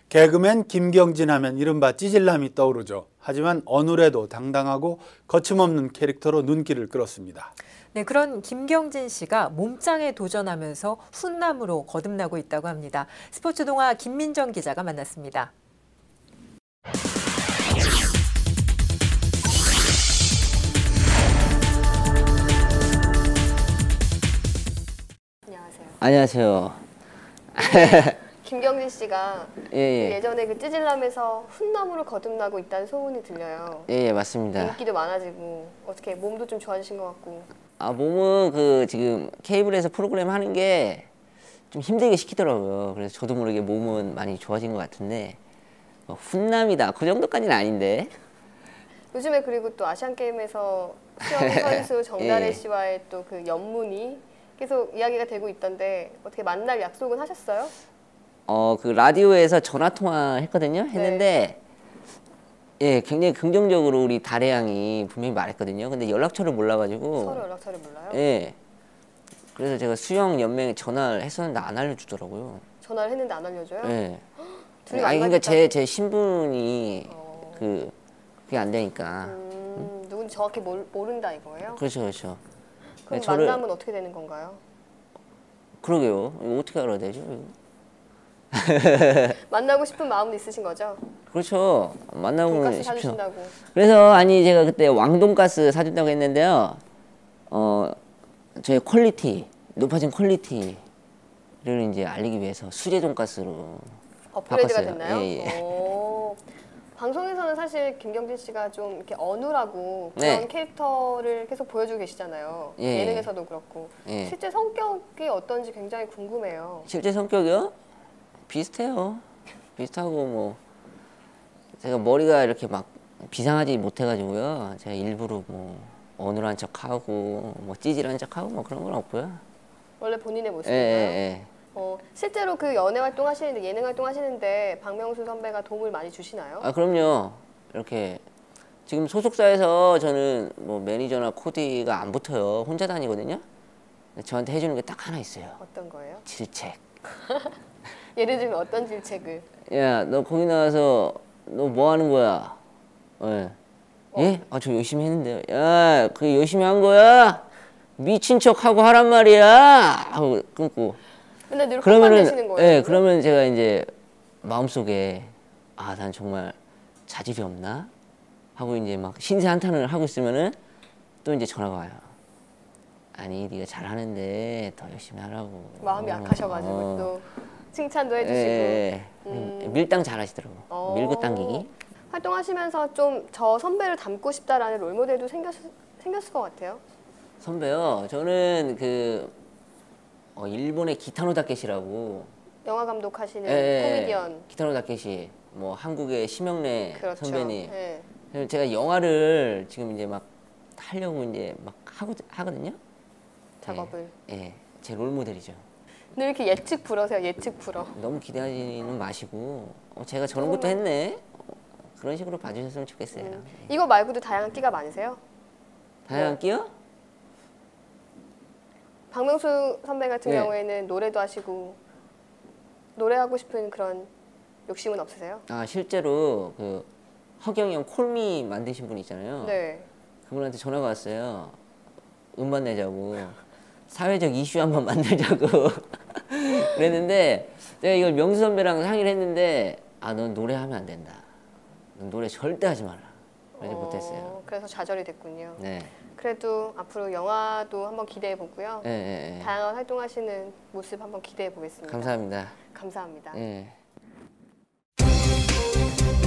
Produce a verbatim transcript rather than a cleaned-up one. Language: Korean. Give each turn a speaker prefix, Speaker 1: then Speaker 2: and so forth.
Speaker 1: 개그맨 김경진 하면 이른바 찌질남이 떠오르죠. 하지만 어느래도 당당하고 거침없는 캐릭터로 눈길을 끌었습니다.
Speaker 2: 네, 그런 김경진 씨가 몸짱에 도전하면서 훈남으로 거듭나고 있다고 합니다. 스포츠 동화 김민정 기자가 만났습니다.
Speaker 3: 안녕하세요.
Speaker 4: 김경진 씨가
Speaker 3: 예, 예.
Speaker 4: 예전에 그 찌질남에서 훈남으로 거듭나고 있다는 소문이 들려요.
Speaker 3: 예, 예, 맞습니다.
Speaker 4: 인기도 많아지고 어떻게 몸도 좀 좋아지신 것 같고.
Speaker 3: 아, 몸은 그 지금 케이블에서 프로그램 하는 게 좀 힘들게 시키더라고요. 그래서 저도 모르게 몸은 많이 좋아진 것 같은데 뭐 훈남이다 그 정도까지는 아닌데.
Speaker 4: 요즘에 그리고 또 아시안 게임에서 수영 선수 정다래
Speaker 3: 예.
Speaker 4: 씨와의 또 그 연문이 계속 이야기가 되고 있던데 어떻게 만날 약속은 하셨어요?
Speaker 3: 어, 그 라디오에서 전화 통화했거든요. 했는데
Speaker 4: 네.
Speaker 3: 예, 굉장히 긍정적으로 우리 다래 양이 분명히 말했거든요. 근데 연락처를 몰라가지고.
Speaker 4: 서로 연락처를 몰라요?
Speaker 3: 예. 그래서 제가 수영 연맹에 전화를 했었는데 안 알려주더라고요.
Speaker 4: 전화를 했는데 안 알려줘요?
Speaker 3: 예.
Speaker 4: 둘이
Speaker 3: 아니 그러니까 제
Speaker 4: 만나겠다고?
Speaker 3: 제 신분이
Speaker 4: 어.
Speaker 3: 그 그게 안 되니까.
Speaker 4: 음,
Speaker 3: 응?
Speaker 4: 누군지 정확히 모르, 모른다 이거예요?
Speaker 3: 그렇죠, 그렇죠.
Speaker 4: 그럼
Speaker 3: 네, 저를-
Speaker 4: 만남은 어떻게 되는 건가요?
Speaker 3: 그러게요. 이거 어떻게 알아야 되죠? 이거?
Speaker 4: 만나고 싶은 마음은 있으신 거죠?
Speaker 3: 그렇죠. 만나보면
Speaker 4: 돈가스
Speaker 3: 쉽죠.
Speaker 4: 사주신다고.
Speaker 3: 그래서 아니 제가 그때 왕돈가스 사준다고 했는데요. 어 저의 퀄리티 높아진 퀄리티를 이제 알리기 위해서 수제 돈가스로
Speaker 4: 업그레이드가
Speaker 3: 바꿨어요.
Speaker 4: 됐나요?
Speaker 3: 예, 예.
Speaker 4: 오. 방송에서는 사실 김경진 씨가 좀 이렇게 어눌하고 그런
Speaker 3: 네.
Speaker 4: 캐릭터를 계속 보여주고 계시잖아요.
Speaker 3: 예.
Speaker 4: 예능에서도 그렇고.
Speaker 3: 예.
Speaker 4: 실제 성격이 어떤지 굉장히 궁금해요.
Speaker 3: 실제 성격이요? 비슷해요. 비슷하고 뭐 제가 머리가 이렇게 막 비상하지 못해가지고요. 제가 일부러 뭐 어눌한 척하고 뭐 찌질한 척하고 뭐 그런 건 없고요.
Speaker 4: 원래 본인의
Speaker 3: 예,
Speaker 4: 모습인가요?
Speaker 3: 예, 예.
Speaker 4: 어, 실제로 그 연애 활동 하시는데 예능 활동 하시는데 박명수 선배가 도움을 많이 주시나요?
Speaker 3: 아 그럼요. 이렇게 지금 소속사에서 저는 뭐 매니저나 코디가 안 붙어요. 혼자 다니거든요. 근데 저한테 해주는 게 딱 하나 있어요.
Speaker 4: 어떤 거예요?
Speaker 3: 질책.
Speaker 4: 예를 들면 어떤 질책을?
Speaker 3: 야, 너 거기 나와서 너 뭐 하는 거야? 예. 예? 아, 저 열심히 했는데요. 야, 그게 열심히 한 거야? 미친 척 하고 하란 말이야. 하고 끊고.
Speaker 4: 맨날 늘 혼만 내시는 거예요?
Speaker 3: 예, 그러면 제가 이제 마음속에 아, 난 정말 자질이 없나? 하고 이제 막 신세 한탄을 하고 있으면은 또 이제 전화가 와요. 아니, 네가 잘하는데 더 열심히 하라고.
Speaker 4: 마음이
Speaker 3: 어,
Speaker 4: 약하셔가지고
Speaker 3: 어.
Speaker 4: 또 칭찬도 해주시고.
Speaker 3: 예, 예.
Speaker 4: 음.
Speaker 3: 밀당 잘하시더라고.
Speaker 4: 어.
Speaker 3: 밀고 당기기.
Speaker 4: 활동하시면서 좀 저 선배를 닮고 싶다라는 롤모델도 생겼, 생겼을 것 같아요.
Speaker 3: 선배요. 저는 그 어, 일본의 기타노 다케시라고.
Speaker 4: 영화 감독하시는
Speaker 3: 예,
Speaker 4: 코미디언.
Speaker 3: 기타노 다케시. 뭐 한국의 심영래
Speaker 4: 그렇죠.
Speaker 3: 선배님.
Speaker 4: 예.
Speaker 3: 그래서 제가 영화를 지금 이제 막 하려고 이제 막 하고 하거든요.
Speaker 4: 작업을.
Speaker 3: 예, 예. 제 롤모델이죠.
Speaker 4: 늘 이렇게 예측 불어세요. 예측 불어.
Speaker 3: 너무 기대하지는 마시고 어, 제가 저런 것도 했네. 어, 그런 식으로 봐주셨으면 좋겠어요.
Speaker 4: 음.
Speaker 3: 예.
Speaker 4: 이거 말고도 다양한 끼가 많으세요?
Speaker 3: 다양한
Speaker 4: 뭐.
Speaker 3: 끼요?
Speaker 4: 박명수 선배 같은
Speaker 3: 네.
Speaker 4: 경우에는 노래도 하시고 노래하고 싶은 그런 욕심은 없으세요?
Speaker 3: 아 실제로 그 허경이 형 콜미 만드신 분 있잖아요.
Speaker 4: 네.
Speaker 3: 그분한테 전화가 왔어요. 음반 내자고. 사회적 이슈 한번 만들자고. 그랬는데 내가 이걸 명수 선배랑 상의를 했는데 아, 넌 노래하면 안 된다. 넌 노래 절대 하지 마라. 그래서
Speaker 4: 어,
Speaker 3: 못했어요.
Speaker 4: 그래서 좌절이 됐군요.
Speaker 3: 네.
Speaker 4: 그래도 앞으로 영화도 한번 기대해 보고요.
Speaker 3: 예, 예, 예.
Speaker 4: 다양한 활동하시는 모습 한번 기대해 보겠습니다.
Speaker 3: 감사합니다.
Speaker 4: 감사합니다.
Speaker 3: 예.